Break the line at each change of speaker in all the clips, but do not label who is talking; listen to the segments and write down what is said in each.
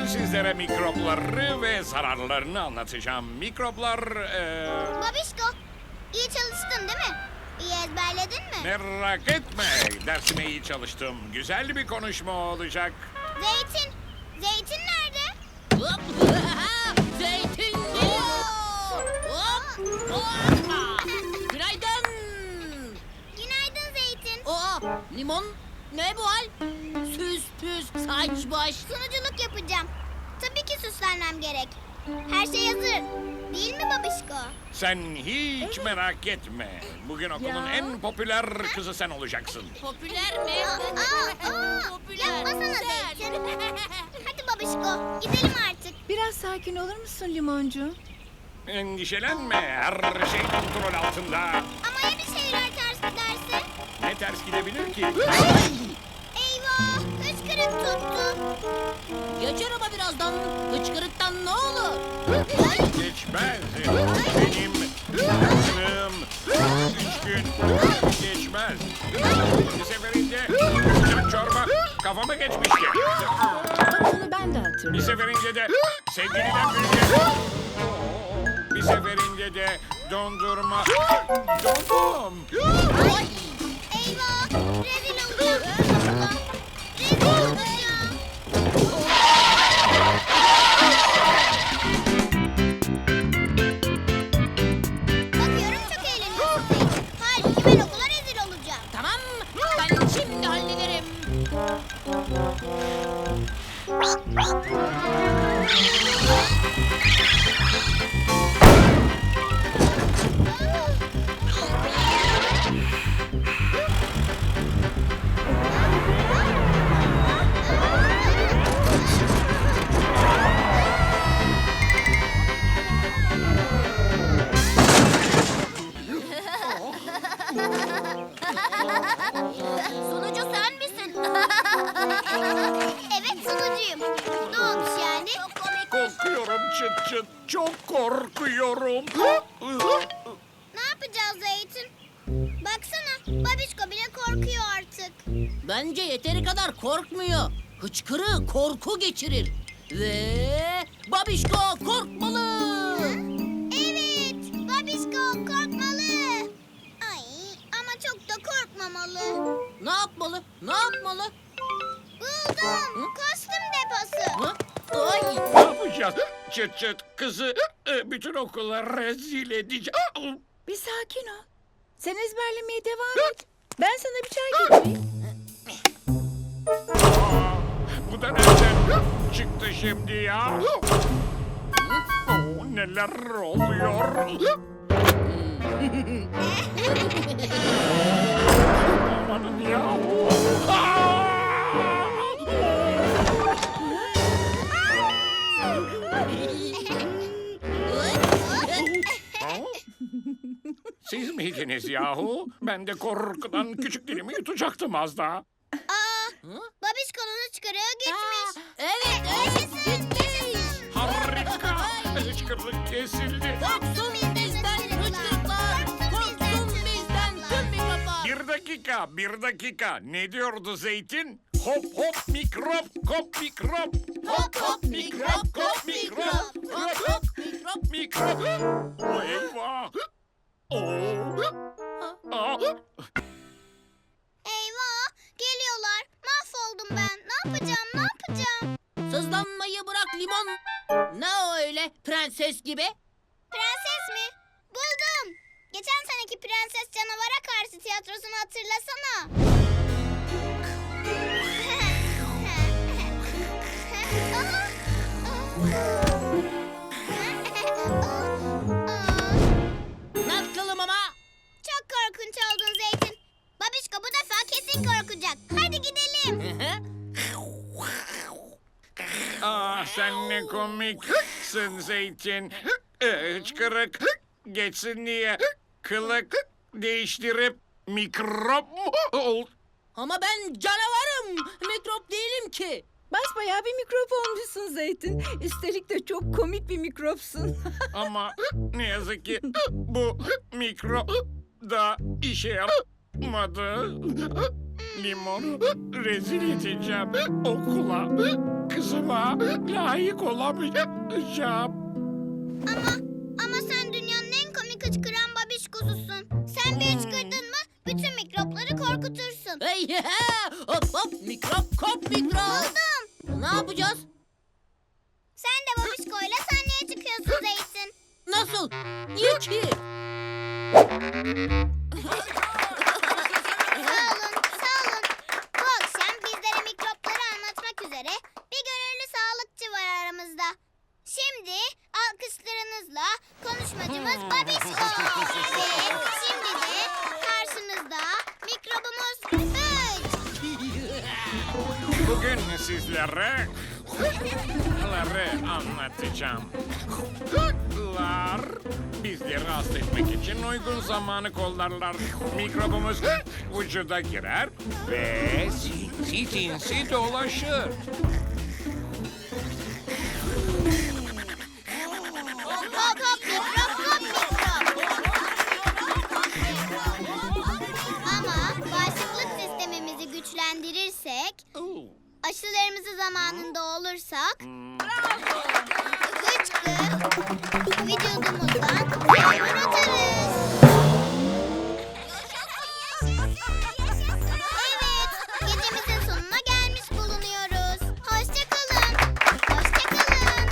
Bugün sizlere mikropları ve zararlarını anlatacağım. Mikroplar...
Babişko, iyi çalıştın değil mi? İyi ezberledin mi?
Merak etme, dersime iyi çalıştım. Güzel bir konuşma olacak.
Zeytin, Zeytin nerede?
Hop! Zeytin geliyor! Hop! Hoppa! Günaydın!
Günaydın Zeytin.
Limon ne bu hal? Süs püs saç baş.
Sunuculuk yapacağım. Tabii ki süslenmem gerek. Her şey hazır. Değil mi babişko?
Sen hiç merak etme. Bugün okulun en popüler kızı sen olacaksın.
Popüler mi? Popüler.
Yapmasana Zeytin. Hadi babişko, gidelim artık.
Biraz sakin olur musun limoncu?
Endişelenme, her şey kontrol altında.
Ama ya bir şeyler ters giderse?
Ne ters gidebilir ki?
Eyvah, hıçkırık tuttu.
Geçer ama birazdan. Hıçkırıktan ne olur?
Geçmez. Benim kızım 3 gün geçmez. Bir seferinde sıcak çorba kafama geçmişti.
Bak onu ben de
Bir
hatırlıyorum.
seferinde de sevgiliden büyüdü. Bir seferinde de dondurma. Dondum.
Eyvah, rezil olacağım. Rezil olacağım. Bakıyorum çok eğleniyorsun Zeytin. Halbuki ben okula rezil olacağım.
Tamam, ben şimdi hallederim.
Sunucu sen misin? Evet sunucuyum. Ne olmuş yani?
Korkuyorum çıt çıt. Çok korkuyorum.
Ne yapacağız Zeytin? Baksana babişko bile korkuyor artık.
Bence yeteri kadar korkmuyor. Hıçkırığı korku geçirir. Ve babişko korkmalı.
Evet babişko korkmalı. Ay ama çok da korkmamalı.
Ne yapmalı? Ne yapmalı?
Buldum. Kostüm deposu.
Hı? Ay!
Ne yapacağız? Çıt çıt kızı bütün okula rezil edeceğim.
Bir sakin ol. Sen ezberlemeye devam et. Ben sana bir çay getireyim.
Bu da nereden çıktı şimdi ya? Neler oluyor? Amanın ya. Siz miydiniz yahu? Ben de korkudan küçük dilimi yutacaktım az daha.
Babişko'nun hıçkırığı gitmiş.
Evet, gitmiş.
Harika! Hıçkırlık kesildi.
Korksun bizden hıçkırıklar. Korksun bizden tüm mikroplar.
Bir dakika. Ne diyordu Zeytin? Hop hop mikrop, kop mikrop.
Hop hop mikrop, kop mikrop. Hop hop mikrop.
Mikrop. Eyvah.
Eyvah geliyorlar. Mahvoldum ben. Ne yapacağım?
Sızlanmayı bırak limon. Ne o öyle prenses gibi?
Prenses mi? Buldum. Geçen seneki Prenses Canavara Karşı tiyatrosunu hatırlasana.
Nasılım ama?
Çok korkunç oldun Zeytin. Babişko bu defa kesin korkacak. Hadi gidelim.
Sen ne komiksin Zeytin. Hıçkırık geçsin diye kılık değiştirip mikrop mu ol?
Ama ben canavarım. Mikrop değilim ki.
Basbayağı bir mikrop olmuşsun Zeytin. Üstelik de çok komik bir mikropsun.
Ama ne yazık ki bu mikrop da işe yaramadı. Limonu rezil edeceğim okula. Kız kızıma layık olamayacağım.
Ama sen dünyanın en komik hıçkıran babişkosusun. Sen bir hıçkırdın mı bütün mikropları korkutursun.
Hey, hop hop mikrop kop mikrop.
Buldum.
Ne yapacağız?
Sen de babişkoyla sahneye çıkıyorsun Zeytin.
Nasıl? Niye ki?
Sağ olun, sağ olun. Bu akşam bizlere mikropları anlatmak üzere bir gönüllü sağlıkçı var aramızda. Şimdi alkışlarınızla konuşmacımız Babişko. Ve şimdi de karşınızda mikrobumuz Üç.
Bugün sizlere anlatacağım. Hıçlar bizleri hasta etmek için uygun zamanı kollarlar. Mikrobumuz vücuda girer ve sinsi dolaşır.
Hop hop mikrop, hop mikrop. Ama bağışıklık sistemimizi güçlendirirsek, aşılarımızı zamanında olursak, hıçkı vücudumuzdan atarız. Evet, gecemizin sonuna gelmiş bulunuyoruz. Hoşça kalın. Hoşça kalın.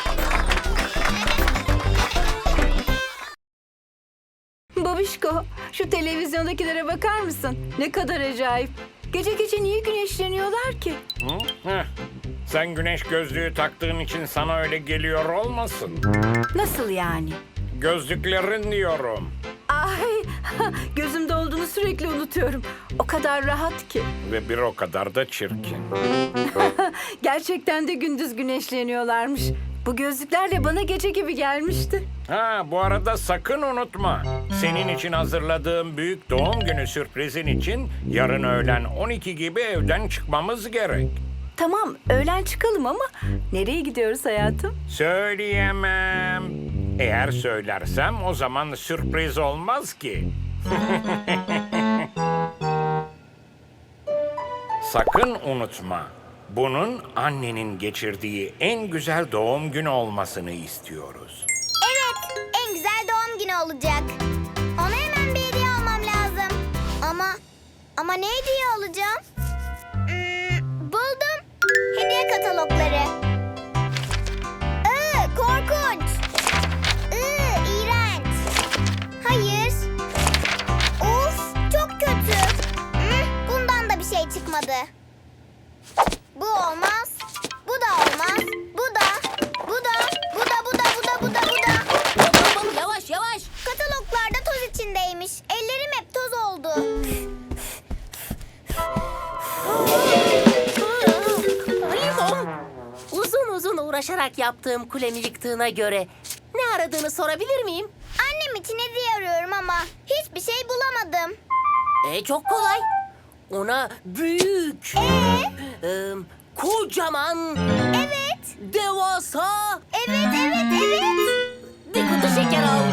Babişko, şu televizyondakilere bakar mısın? Ne kadar acayip. Gece gece niye güneşleniyorlar ki?
Heh. Sen güneş gözlüğü taktığın için sana öyle geliyor olmasın?
Nasıl yani?
Gözlüklerin diyorum.
Ay, gözümde olduğunu sürekli unutuyorum. O kadar rahat ki.
Ve bir o kadar da çirkin.
Gerçekten de gündüz güneşleniyorlarmış. Bu gözlüklerle bana gece gibi gelmişti.
Ha, bu arada sakın unutma. Senin için hazırladığım büyük doğum günü sürprizin için yarın öğlen 12 gibi evden çıkmamız gerek.
Tamam, öğlen çıkalım ama nereye gidiyoruz hayatım?
Söyleyemem. Eğer söylersem o zaman sürpriz olmaz ki. Sakın unutma. Bunun annenin geçirdiği en güzel doğum günü olmasını istiyoruz.
Evet, en güzel doğum günü olacak. Ona hemen bir hediye almam lazım. Ama ne hediye alacağım? Buldum. Hediye katalogları. Korkunç. İğrenç. Hayır. Of, çok kötü. Bundan da bir şey çıkmadı. Bu olmaz. Bu da olmaz. Bu da.
Hop yavaş yavaş.
Kataloglarda toz içindeymiş. Ellerim hep toz oldu.
Limon, uzun uğraşarak yaptığım kulemi yıktığına göre ne aradığını sorabilir miyim?
Annem için hediye arıyorum ama hiçbir şey bulamadım.
Çok kolay. Ona büyük, kocaman,
Evet.
devasa
Evet.
bir kutu şeker al.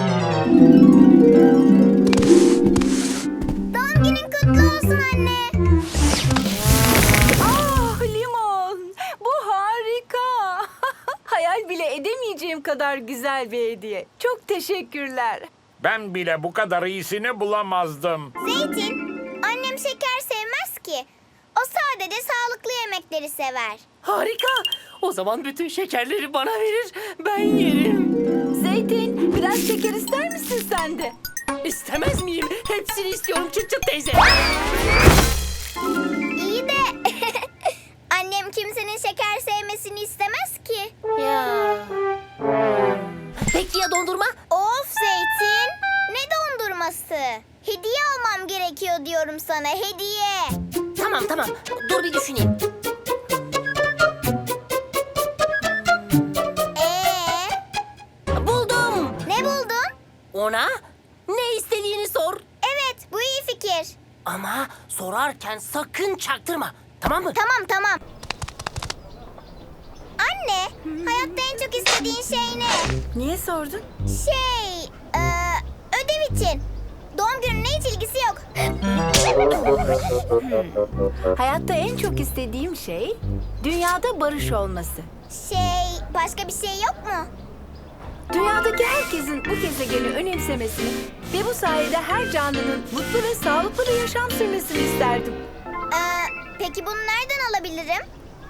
Doğum günün kutlu olsun anne.
Ah Limon, bu harika. Hayal bile edemeyeceğim kadar güzel bir hediye. Çok teşekkürler.
Ben bile bu kadar iyisini bulamazdım.
Zeytin, annem şeker sevmez ki. O sadece sağlıklı yemekleri sever.
Harika. O zaman bütün şekerleri bana verir, ben yerim.
Zeytin, biraz şeker ister misin sen de?
İstemez miyim? Hepsini istiyorum Çıt Çıt teyze.
İyi de annem kimsenin şeker sevmesini istemez ki.
Ya. Peki ya dondurma?
Of Zeytin, ne dondurması? Hediye almam gerekiyor diyorum sana, hediye.
Tamam. Dur bir düşüneyim. Buldum.
Ne buldun?
Ona ne istediğini sor.
Evet, bu iyi fikir.
Ama sorarken sakın çaktırma. Tamam mı?
Tamam. Anne, hayatta en çok istediğin şey ne?
Niye sordun?
Ödev için. Doğum doğum gününe hiç ilgisi yok.
Hayatta en çok istediğim şey dünyada barış olması.
Başka bir şey yok mu?
Dünyadaki herkesin bu gezegeni önemsemesini ve bu sayede her canlının mutlu ve sağlıklı bir yaşam sürmesini isterdim.
Peki bunu nereden alabilirim?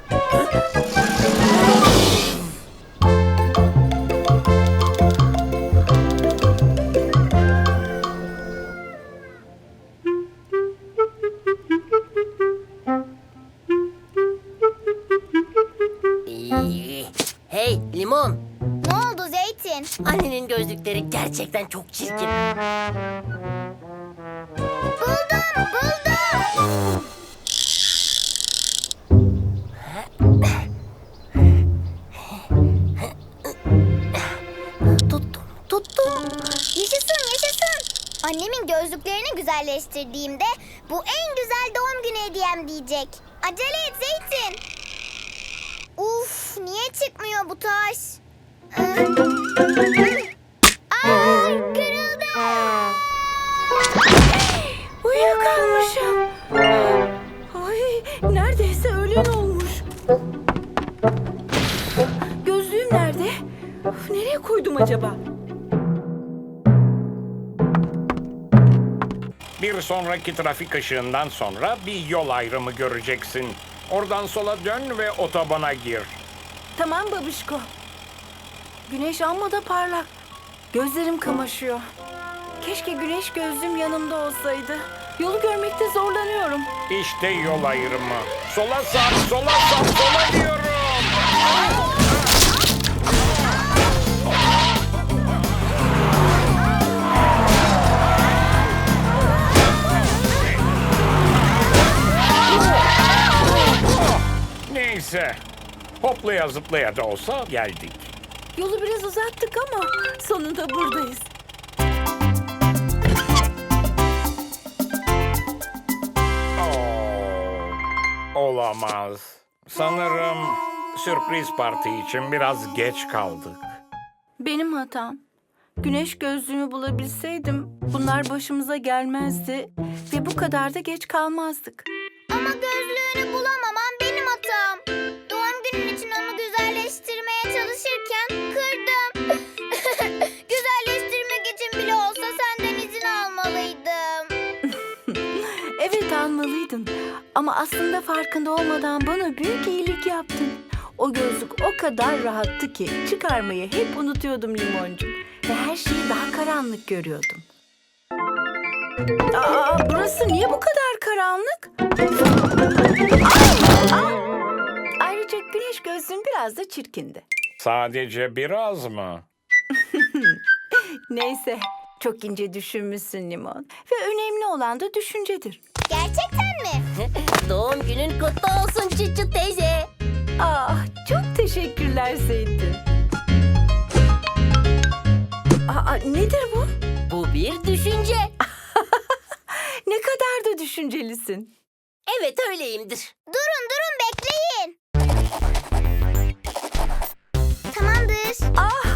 Hey Limon,
Ne oldu Zeytin?
annenin gözlükleri gerçekten çok çirkin.
Buldum.
Tuttum.
Yaşasın. Annemin gözlüklerini güzelleştirdiğimde bu en güzel doğum günü hediyem diyecek. Acele et Zeytin. Uf, niye çıkmıyor bu taş? Kırıldı.
Uyuyakalmışım. Ay, neredeyse öğlen olmuş. Gözlüğüm nerede? Of, nereye koydum acaba?
Bir sonraki trafik ışığından sonra bir yol ayrımı göreceksin. Oradan sola dön ve otobana gir.
Tamam babişko. Güneş amma da parlak. Gözlerim kamaşıyor. Keşke güneş gözlüğüm yanımda olsaydı. Yolu görmekte zorlanıyorum.
İşte yol ayrımı. Sola sap, sola diyorum. Neyse. Hoplaya zıplaya da olsa geldik.
Yolu biraz uzattık ama sonunda buradayız.
Olamaz. Sanırım sürpriz parti için biraz geç kaldık.
Benim hatam. Güneş gözlüğümü bulabilseydim bunlar başımıza gelmezdi ve bu kadar da geç kalmazdık.
Ama gözlüğünü bulamamam benim hatam. Doğum günün için onu güzelleştirmeye çalışırken kırdım. Güzelleştirmek için bile olsa senden izin almalıydım.
Evet almalıydın ama aslında farkında olmadan bana büyük iyilik yaptın. O gözlük o kadar rahattı ki çıkarmayı hep unutuyordum Limoncuğum. Ve her şeyi daha karanlık görüyordum. Burası niye bu kadar karanlık? Ayrıca güneş gözlüğüm biraz da çirkindi.
Sadece biraz mı?
Neyse, çok ince düşünmüşsün Limon. Ve önemli olan da düşüncedir.
Gerçekten mi?
Doğum günün kutlu olsun Çıçı teyze.
Çok teşekkürler Zeytin. Nedir bu?
Bu bir düşünce.
Ne kadar da düşüncelisin.
Evet öyleyimdir.
Durun bekleyin. Tamamdır.